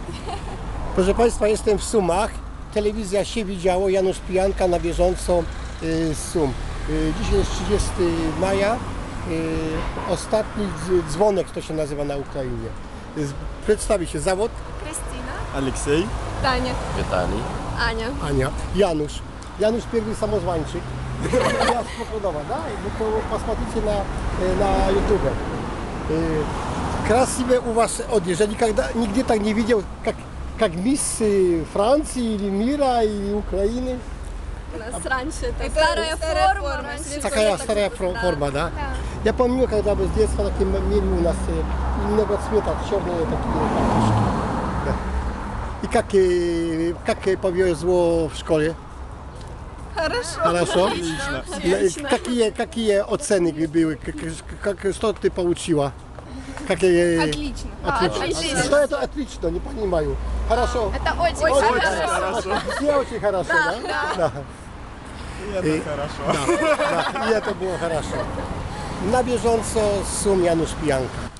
Proszę Państwa, jestem w Sumach. Telewizja się widziało, Janusz Pijanka na bieżąco z Sum. Dzisiaj jest 30 maja. Ostatni dzwonek to się nazywa na Ukrainie. Przedstawi się zawód. Krystyna. Aleksiej. Tania. Witali. Ania. Ania. Janusz. Janusz pierwszy samozwańczyk. Ja spokojnowa, да? Вы посмотрите на YouTube. Красивая у вас одежда. Я никогда, нигде так не видел, как мисс Франции или мира, или Украины. У нас раньше это старая форма. Раньше Такая было старая форма, да? Я помню, когда мы с детства такие мели у нас немного цвета, черные такие карточки. Да. И как повезло в школе? Хорошо. Хорошо? Отлично. Какие оценки были? Что ты получила? Какие... Отлично. Отлично. Что это отлично? Не понимаю. Хорошо. Это очень хорошо. Все очень хорошо, да? Да. Это хорошо. Да. И это было хорошо. Na bieżąco z Sum Janusz Pijanka.